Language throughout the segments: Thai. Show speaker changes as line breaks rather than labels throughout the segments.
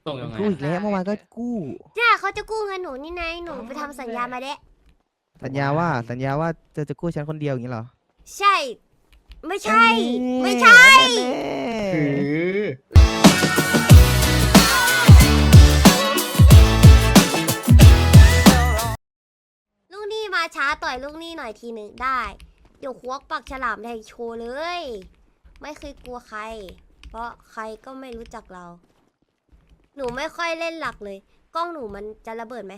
ส่งยังไง
กู้อีกแล้วเมื่อวานก็กู้
เนี่ยเขาจะกู้เงินหนูนี่ไงหนูไปทำสัญญามาเด้
สัญญาว่าจะกู้ฉันคนเดียวอย่างนี้เหรอ
ใช่ ไม่ใช่
แน่ๆ
ไม่ใช่
แน่
คือ
ลูกนี่มาช้าต่อยลูกนี่หน่อยทีหนึ่งได้ เดี๋ยวควักปากฉลามแทงโชว์เลย ไม่เคยกลัวใคร เพราะใครก็ไม่รู้จักเรา หนูไม่ค่อยเล่นหลักเลย กล้องหนูมันจะระเบิดไหม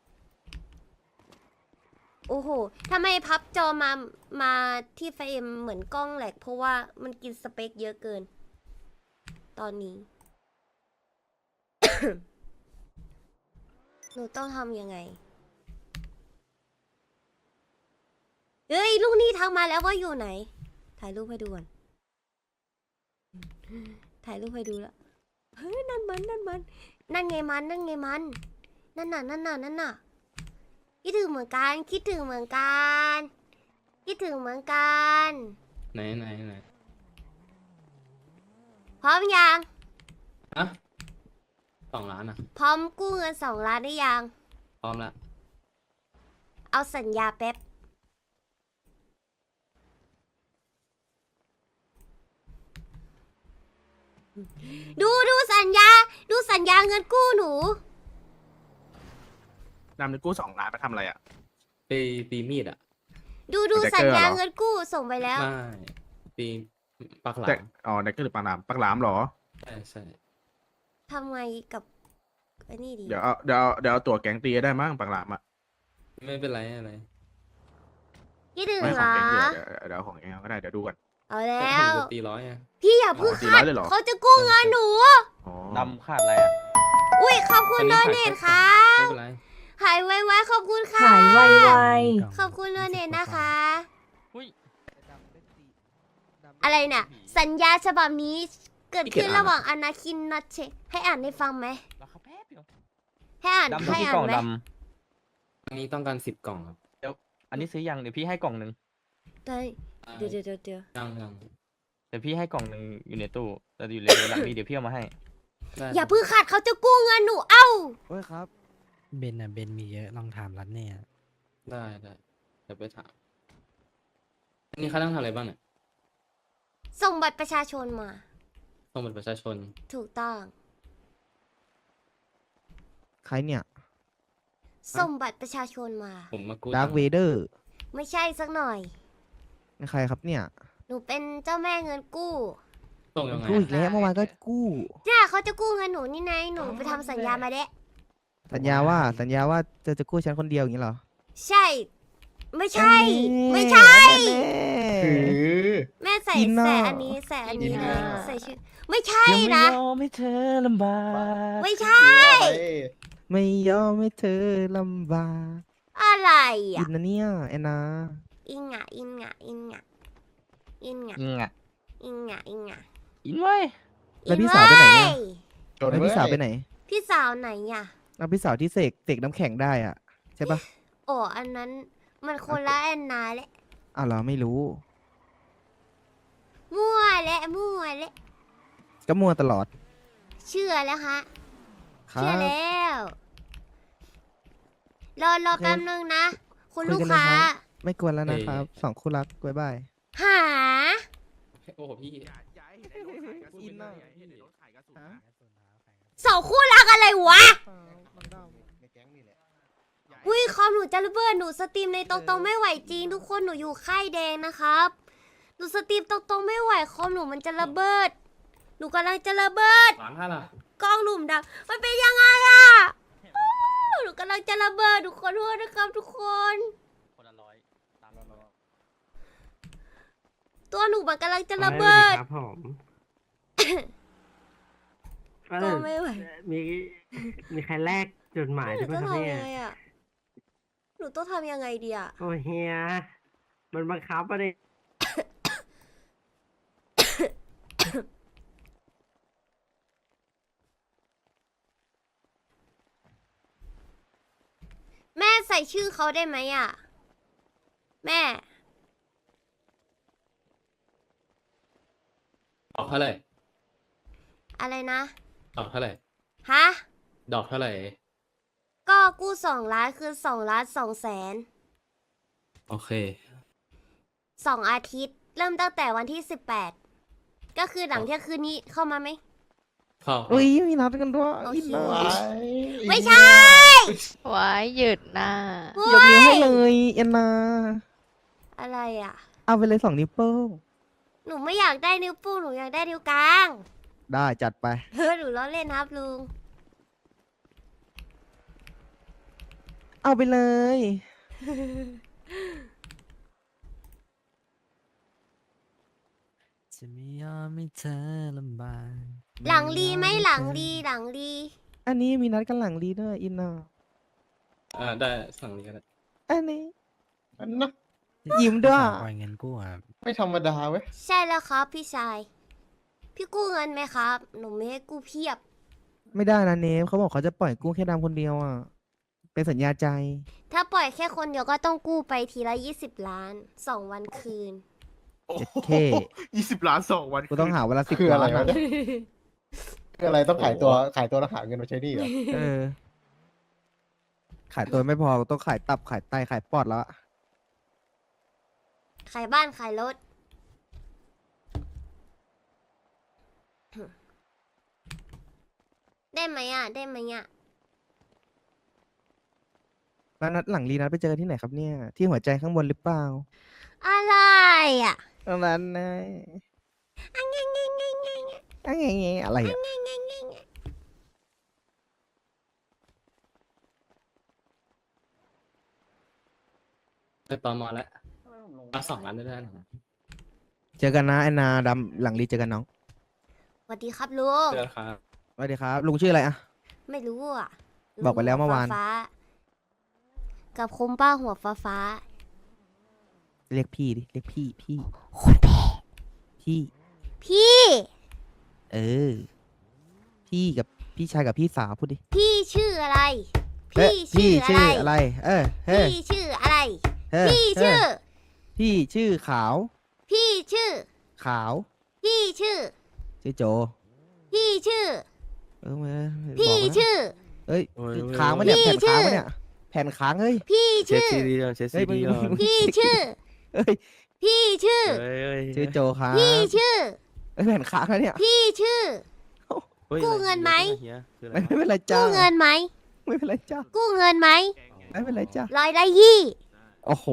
โอ้โหทำไมพับจอมาที่ไฟเอ็มเหมือนกล้องแหลกเพราะว่ามันกินสเปคเยอะเกิน ตอนนี้ หนูต้องทำยังไง เฮ้ยลูกนี่ทักมาแล้วว่าอยู่ไหน ถ่ายรูปให้ดูก่อน ถ่ายรูปให้ดูแล้วเฮ้ยนั่นไงมัน นั่นไงมัน นั่นน่ะ คิดถึงเหมือนกัน คิดถึงเหมือนกัน
ไหน
พร้อมยัง
อะ2 ล้านอ่ะ
พร้อมกู้เงิน2 ล้านได้ยัง
พร้อมละ
เอาสัญญาแป๊บ ดูสัญญา ดูสัญญาเงินกู้หนู
นำเงินกู้2 ล้านไปทำอะไรอ่ะ
ไปตีมีดอ่ะ
ดู
มันจะ
สัญญา
เกินเหรอ
เงินกู้ส่งไปแล้ว
ไม่ตีปากหลา
แต่
ม
อ๋อในก็หรือปากหลามปากหลามเหรอ
ใช่
ทำไงกับไอ้นี่ดี
เดี๋ยวเอาตัวแก๊งตีได้มั้งปากหลามอ่ะ
ไม่เป็นไรอะไร
คิดถึง
ไม่
เห
ข
ร
อง
อ
แก๊งเดี๋ยวของแก๊งก็ได้เดี๋ยวดูกัน
เอาแล้
แต่ผม
ว
จะตี100อ่ะ
พี่อย่าเพึ่ง
อ๋อ
คาด
400เลยเหรอ
เขาจะกู้เงินหนู
อ๋อ
ดำขาดอะไรอ่ะ
อุ้ยขอบคุณ
อัน
โด
นี้
เนทค
ขา
รั
ด
บ
ไม่เป็นไร
หายไวๆขอบคุณค่ะ
ขายไว
ขอบคุณโดเนทนะคะ
อุ้ย
อะไรน่ะ สัญญาฉบับนี้เกิดขึ้นระหว่างอนาคินนัทเชให้อ่านให้ฟังไหม
ราคาแป๊บเดียว
ให้อ่าน
ดำ
ให้
ที่
อ่าก
ล่อน ง
ไหม
ด
อันนี้ต้องการ10 กล่องครับ
ำอันนี้ซื้อยังเดี๋ยวพี่ให้กล่องหนึ่ง
ได้เดี๋ยว
ยัง
เดี๋ยวพี่ให้กล่องหนึ่งอยู่ในตู้แต่อยู่ในหลังนี้เดี๋ยวพี่เอามาให้
ได้
อย่าเพึ่งขาดเขาจะกู้เงินหนูเอ้า
โอ้ยครับ
เบนอ่ะเบนมีเยอะลองถามรัดเนี่ย
ได้เดี๋ยวไปถามอันนี้เขาต้องทำอะไรบ้างเนี่ย
ส่งบัตรประชาชนมา
ส่งบัตรประชาชน
ถูกต้อง
ใครเนี่ย
ส่งบัตรประชาชนมา
ผมมากู้
ดาร์
ตั
ค
ง
เว
ค์
เดอร์
ไม่ใช่สักหน่อย
ใครครับเนี่ย
หนูเป็นเจ้าแม่เงินกู้
ส่งยังไง
กู้อีกแล้วเมื่อวานก็กู้
เนี่ยเขาจะกู้เงินหนูนี่ไงหนูไปทำสัญญามาเด้
สัญญาว่าจะกู้ฉันคนเดียวอย่างนี้เหรอ
ใช่ ไม่ใช่
แน่ๆ
ไม่ใช่
แน่
คือ
แม่ใส่
อินเนอร์
ใส่อันนี้ใส่อันนี้
อิน
เล
เนอร์
ยใส่ชื่อไม่ใช่
ยังไม่
นะ
ยอมให้เธอลำบาก
ไม่ใช่
ไม่ยอมให้เธอลำบาก
อะไร
อิ
อ่ะ
นนะเนี่ยแอนนา
อิงอ่ะอิงอ่ะอิงอ่ะอิงอ่ะ
อิงอ่ะ
อิงอ่ะอิงอ่ะ
อินไว้ย
แล้วพี่สาวไปไหนเนี่ย
อิงเว้ย
จน
แล้ว
เว้
พี่
ย
สาวไปไหน
พี่สาวไหนอ่ะ
แล้วพี่สาวที่เสกน้ำแข็งได้อ่ะ ใช่ปะ
โอ้อันนั้นมันคนละแอนนาแหละ
อ้าวเหรอไม่รู้
มั่วและ
ก็มัวตลอด
เชื่อแล้วฮะ
ครั
เชื่อบ แล้วรอ
โอเค
แป๊บนึงนะ คุณ
คุ
ลู
ย
ก
กันเลย
ค้า
ครับ ไม่กวนแล้วนะครับสองคู่รักบ๊ายบาย
หา
โอ้โหพี่
อย่าให้เห็นไอ้รถขายกระสุน
อินเนอร์
อย่าให้เห็นไอ้รถขายกระสุนนะ
สองคู่รักอะไรวะ อุ้ยคอมหนูจะระเบิดหนูสตรีมในตรงๆไม่ไหวจริงทุกคนหนูอยู่ค่ายแดงนะครับหนูสตรีมตรงๆไม่ไหวคอมหนูมันจะระเบิด หนูกำลังจะระเบิด
ล้านห้าล่ะ
กล้องหลุมดำมันเป็นยังไงอะหนูกำลังจะระเบิดทุกคนโทษนะครับทุกคน
คนละร้อยตามเรา
ตัวหนูมันกำลังจะระเบิด
ครับผม
ก็ไม่ไหว
มีมีใครแลกจดหมาย
หนู
ด้วย
ต้
ป่ะ
อง
ครับ
ทำ
เนี่
ยัง
ย
ไงอะหนูต้องทำยังไงดีอะ
โอ้เฮียมันบังคับอะดิ
แม่ใส่ชื่อเขาได้ไหมอะแม่
ออกเท่าไหร่
อะไรนะ
ออกเท่าไหร่
ฮะ
ดอกเท่าไหร่
ก็กู้2 ล้านคือ2,200,000
โอเค
2 อาทิตย์ เริ่มตั้งแต่วันที่ 18 ก็คือหลังเที่ยงคืนนี้เข้ามาไหม
เข้า
อุ้ยมีนัดกันด้วย
โอเค
อินเนอร์
ไม่ใช่
ไว้หยุดนะ
ยกนิ้วให้เลยเอ็นนา
อะไรอ่ะ
เอาไปเลย2 นิ้วโป้ง
หนูไม่อยากได้นิ้วโป้งหนูอยากได้นิ้วกลาง
ได้จัดไป
หนูล้อเล่นครับลุง
เอาไปเลย
จะไม่ยอมให้เธอลำบาก
หลังลีไหมหลังลี
ไม่ยอม
หลังลี
อันนี้มีนัดกันหลังรีด้วยอินเนอร์
ได้สั่งนี้ก็ได้
อันนี้
อันนะ
ยิ้มด้วย
ปล่อยเงินกู้ครับ
ไม่ธรรมดาเว้ย
ใช่แล้วครับพี่ชาย พี่กู้เงินไหมครับ หนูไม่ให้กู้เพียบ
ไม่ได้นะเนฟเขาบอกเขาจะปล่อยกู้แค่ดำคนเดียวอ่ะ เป็นสัญญาใจ
ถ้าปล่อยแค่คนเดียวก็ต้องกู้ไปทีละ20 ล้าน 2 วันคืน
เจ็ดเค
20 ล้าน2 วัน
กูต้องหาเวลา10
คืออะไร
ล้าน
วะเนี่ยคืออะไรต้องขายตัวแล้วหาเงินมาใช้หนี่เหรอ
เออ ขายตัวไม่พอต้องขายตับขายไตขายปอดแล้วอะ
ขายบ้านขายรถ ได้ไหมอ่ะ ได้ไหมอ่ะ
แล้วนัดหลังรีนัดไปเจอกันที่ไหนครับเนี่ย ที่หัวใจข้างบนหรือเปล่า
อะไรอ่ะ
ตรงนั้นนะอังเงอะไรอ่ะ
ไปตอมอแล้วเอา2 ล้านได้แล้วนะ
เจอกันนะแอนนาดำหลังรีเจอกันน้อง
สวัสดีครับลุง
เจอครับ
สวัสดีครับ ลุงชื่ออะไรอะ
ไม่รู้อ่ะ
บอกไปแล้วเมื่อวาน
ฟ้กับคมป้าหัวฟ้า
เรียกพี่ดิ เรียกพี่พี่
คนแพ้
พี่
พี่
เออ พี่กับพี่ชายกับพี่สาวพูดดิ
พี่ชื่ออะไร
เอ๊ะ
พี่ชื่ออะไร
เออเฮ้ย
พี่ชื่ออะไร
เฮ้ย
พี่ชื่อ
พี่ชื่อขาว
พี่ชื่อ
ขาว
พี่ชื่อ
ชื่อโจ
พี่ชื่อ
เออมา
พี่
บอกนะ
ชื่อ
เอ้ย
โอ้ย
ค้างปะเนี่ย
พี่
แผ่นค้าง
ชื่อ
ปะเนี่ยแผ่นค้างเฮ้ย
พี่
เช็ค
ชื่อ
ซีดีก่อนเช็ค
เฮ้
ซี
ยมึง
ดีก่อน
พี่ชื่อ
เอ้ย
พี่ชื่อ
เฮ้ยเฮ้ย
ชื่อโจครับ
พี่ชื่อ
เอ้ยแผ่นค้างนะเนี่ย
พี่ชื่อ
เฮ้ย
กู้เงินไหม
เฮียคืออะไร
ไม่เป็นไรจ้า
กู้เงินไหม
ไม่เป็นไรจ้า
กู้เงินไหม
ไม่เป็นไรจ้า
120
โอ้โห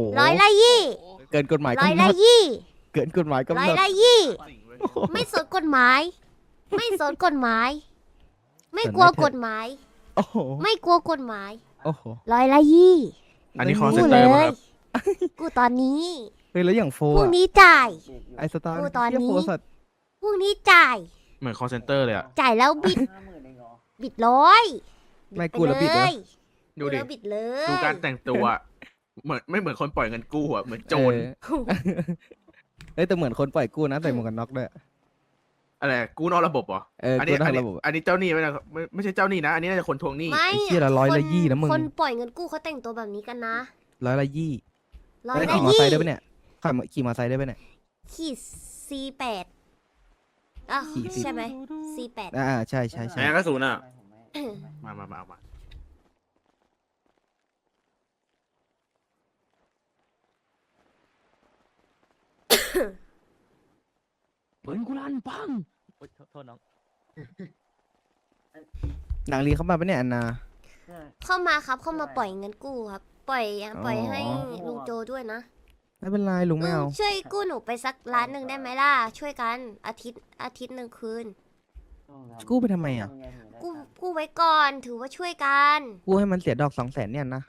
120
เกินกฎหมาย
ร้อย
กำหน
ละ
ด
ยี่
เกินกฎหมายกำ
ร้อ
ห
ย
นด
ละยี่ไม่สนกฎหมาย ไม่สนกฎหมาย ไม่กลัวกฎหมาย
โอ้โห
ไม่กลัวกฎหมาย
โอ้โห
ร้อยละยี่
อันนี้คอ
กู
เซ็นเต
เล
อร์มั้ง
ย
ครับ
กูตอนนี้
เฮ้ยแล้วอย่างโฟ
พรุ่ง
อะ
นี้จ่าย
ไอสตาร์
กูตอนนี้
เหี้ยโฟสัตว์
พรุ่งนี้จ่าย
เหมือนคอเซ็นเตอร์เลยอะ
จ่ายแล้วบิด บิดร้อย
ไม่กูแล้วบิดเหรอ
ดูดิ
แล้วบิดเลย
ดูการแต่งตัวอะเหมือนไม่เหมือนคนปล่อยเงินกู้อะเหมือนโจร
เออเอ้ยแต่เหมือนคนปล่อยกู้นะใส่หมวกกันน็อกด้วย
อะไรกู้นอกระบบเหรอ
เออ
อันนี้
กู้นอกระบบ
อันนี้เจ้าหนี้ไม่นะไม่ใช่เจ้าหนี้นะ อันนี้น่าจะคนทวงหนี้
ไม่
ไอ้เหี้ยละร้อยละยี่นะมึง
คนปล่อยเงินกู้เขาแต่งตัวแบบนี้กันนะ
ร้อยละยี่
ร้อย
แล้ว
ละ
ขี่มอ
ยี่
ไซค์ได้ปะเนี่ยขี่มอไซค์ได้ปะเนี่ย
ขีด C8 อ่ะ
ขี่
ใช่ไหม C8
อ่าใช่ใช่ใช่
แหมกระสุนอ่ะ
มาเอามา
ปืนกูลั่นปังโอ๊ยโทษน้อง
หนังรีเข้ามาปะเนี่ยอันนา
เข้ามาครับเข้ามาปล่อยเงินกู้ครับ ปล่อยให้ลุงโจด้วยนะ
ไม่เป็นไรลุงไม่เอา
ช่วยกู้หนูไปสัก1,000,000ได้ไหมล่ะ ช่วยกันอาทิตย์หนึ่งคืน
กู้ไปทำไมอ่ะ
กู้ไว้ก่อนถือว่าช่วยกัน
กู้ให้มันเสียดอก200,000เนี่ยนะ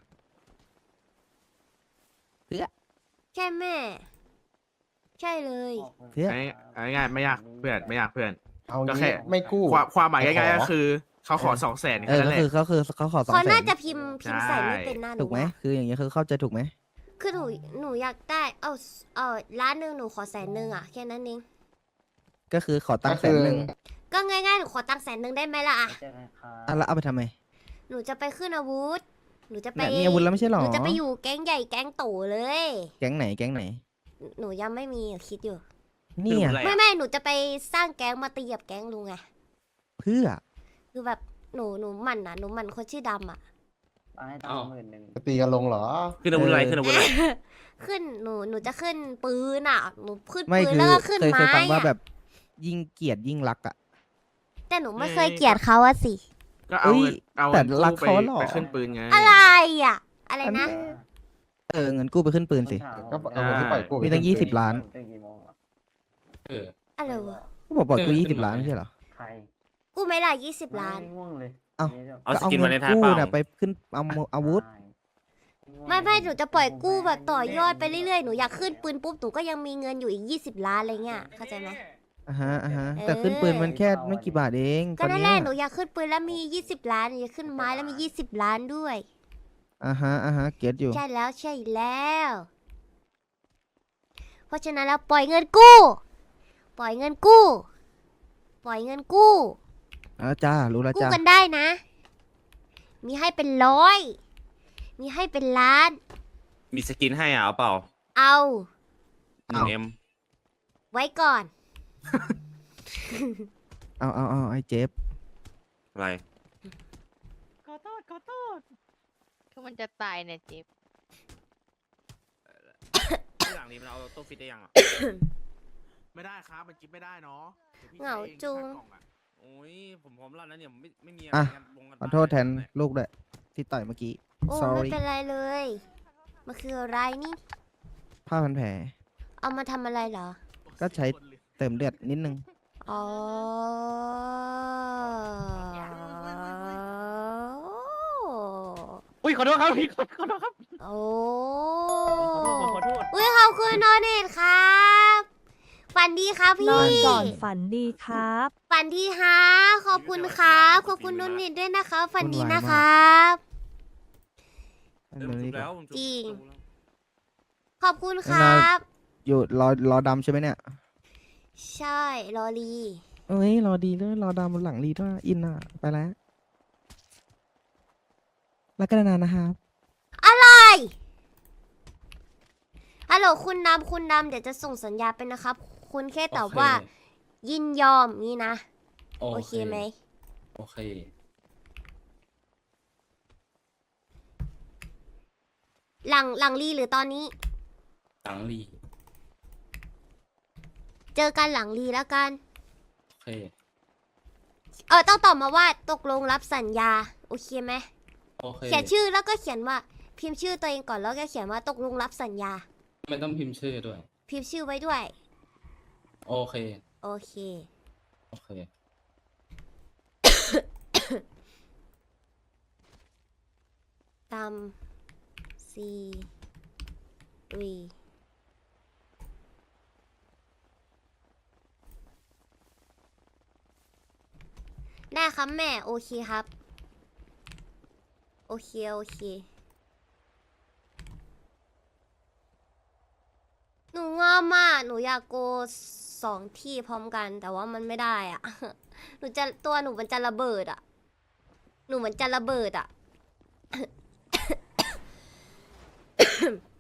ใช่แม่ ใช่เลย
เพื่อ
อันนี้ง่ายไม่ยากเพื่อนไม่ยากเพื่อน
เอา
ก็
งี้
แค่
ไม่กู้
ความหมายง่ายๆ
ขอ
ก็คือเขาขอ200,000
เอ
แค่
อ
นั้น
ก็
แหละ
คือเขาขอ
เขาน่า
200,000
จะพิมพ์ใส่ไม่เป็นหน้าหนู
ถูกไหม
อะ
คืออย่างเงี้ยคือเข้าใจถูกไหม
คือหนูอยากได้1,000,000หนูขอ100,000อ่ะแค่นั้นเอง
ก็คือขอตังค์100,000
ก็ง่ายๆหนูขอตังค์100,000ได้ไหมล่ะอะ
อ่ะแล้วเอาไปทำไม
หนูจะไปขึ้นอาวุธ หนูจะไป
เนี่ยมีอาวุธแล้วไม่ใช่หรอ
หนูจะไปอยู่แก๊งใหญ่แก๊งโตเลย
แก๊งไหนแก๊งไหน
หนูยังไม่มีอะคิดอยู่
เนี่ย
ไม่หนูจะไปสร้างแก๊งมาตีกับแก๊งลุงไง
เพื่อ
คือแบบหนูหมั่นนะหนูหมั่นคนชื่อดำอ่ะ
อ้าว
จะตีกันลงเหรอ
ขึ้นอาวุธอะไรขึ้นอาวุธอะไร
ขึ้นหนูจะขึ้นปืนอ่ะหนูขึ้น
ไม่
ปืน
คือ
แล้วก็ขึ้น
เคย
ไม้
ฟังว่าแบ
อะ
บยิ่งเกลียดยิ่งรักอ่ะ
แต่หนูไม่เคยเกลียดเขาอะสิ
ก็เอา
เอ้ย
เงินเอา
แต่
เงิน
รัก
กู้ไป
เขาเหรอ
ไปขึ้นปืนไง
อะไรอ่ะ อะไรนะ
เงินกู้ไปขึ้นปืนสิ
ก็เอาเงินที่ปล่อยกู้
มีตั้ง20 ล้าน
เออ
อะไรวะ
ก็บอกปล่อยกู้
เออขึ้น
20 ล้าน
มา
ไม่ใช่เหรอ
กูไม่ได้20 ล้าน
เอ้า
เอา
ก็
สกิน
เงิ
มาในท้าย
กู้
เปล่า
น่ะไปขึ้นเอาอาวุธ
ไม่หนูจะปล่อยกู้แบบต่อยอดไปเรื่อยๆหนูอยากขึ้นปืนปุ๊บหนูก็ยังมีเงินอยู่อีก20 ล้านอะไรเงี้ยเข้าใจไหม
อ่าฮะ
เออ
แต่ขึ้นปืนมันแค่ไม่กี่บาทเอง
ก็
ตอน
นั่น
เนี้
แห
ย
ละหนูอยากขึ้นปืนแล้วมี20 ล้านหนูอยากขึ้นไม้แล้วมี20 ล้านด้วย
อ่าฮะ เก็ตอยู่
ใช่แล้วใช่แล้ว เพราะฉะนั้นแล้วปล่อยเงินกู้ ปล่อยเงินกู้ ปล่อยเงินกู้
จ้า รู้แล้ว
กู้
จ้า
กันได้นะ มีให้เป็นร้อย มีให้เป็นล้าน
มีสกินให้อ่ะเอาเปล่า
เอา
1M
ไว้ก่อน
เอาไอ้เจฟ
อะไร
คือมันจะตายเนี่ยเจ็บ
หลังนี้มันเอาตู้ฟิตได้ยังอ่ะ ไม่ได้ครับมันกินไม่ได้เนาะ
เหงาจุง
โอ้ยผมรอดแล้วเนี่ยไม่มี
อ่ะ
งานลงกัน
ขอโทษแทนลูกด้วยที่ต่อยเมื่อกี้
โอ้ไม่
sorry
เป็นไรเลย มันคืออะไรนี่
ผ้าพันแผล
เอามาทำอะไรเหรอ
ก็ใช้เติมเลือดนิดนึง
อ๋อ
อุ้ยขอโทษครับพี่ขอโทษครับ
โอ้
ผมขอโทษ
อุ้ยขอบคุณโนเนตครับ ฝันดีครับพี่
นอนก่อนฝันดีครับ
ฝันดีฮะขอบคุณครับ ขอบคุณโนเนตด้วยนะคะฝันดีนะครับ
อันนี้ก็
จริง ขอบคุณครับ
อยู่รอดำใช่ไหมเนี่ย
ใช่ลอลี
เอ้ยรอดีด้วยรอดำบนหลังรีด้วยอินอ่ะ ไปแล้วแล้วก็นานๆนะครับ
อะไรฮัลโหลคุณดำคุณดำเดี๋ยวจะส่งสัญญาไปนะครับ คุณแค่ตอบว่า ยินยอมนี่นะ โอเคไหม
โอเค
หลังรีหรือตอนนี้
หลังรี
เจอกันหลังรีแล้วกัน
โอเค
ต้องตอบมาว่าตกลงรับสัญญา โอเคไหม
โอเค
เขียนชื่อแล้วก็เขียนว่า พิมพ์ชื่อตัวเองก่อนแล้วก็เขียนว่าตกลงรับสัญญา
ไม่ต้องพิมพ์ชื่อด้วย
พิมพ์ชื่อไว้ด้วย
โอเค
โอเค
โอเค
ตามซีรีได้ครับแม่ โอเคครับ โอเค โอเค หนูงอมอ่ะหนูอยากโก2 ที่พร้อมกัน แต่ว่ามันไม่ได้อ่ะ ตัวหนูมันจะระเบิดอ่ะ หนูมันจะระเบิดอ่ะ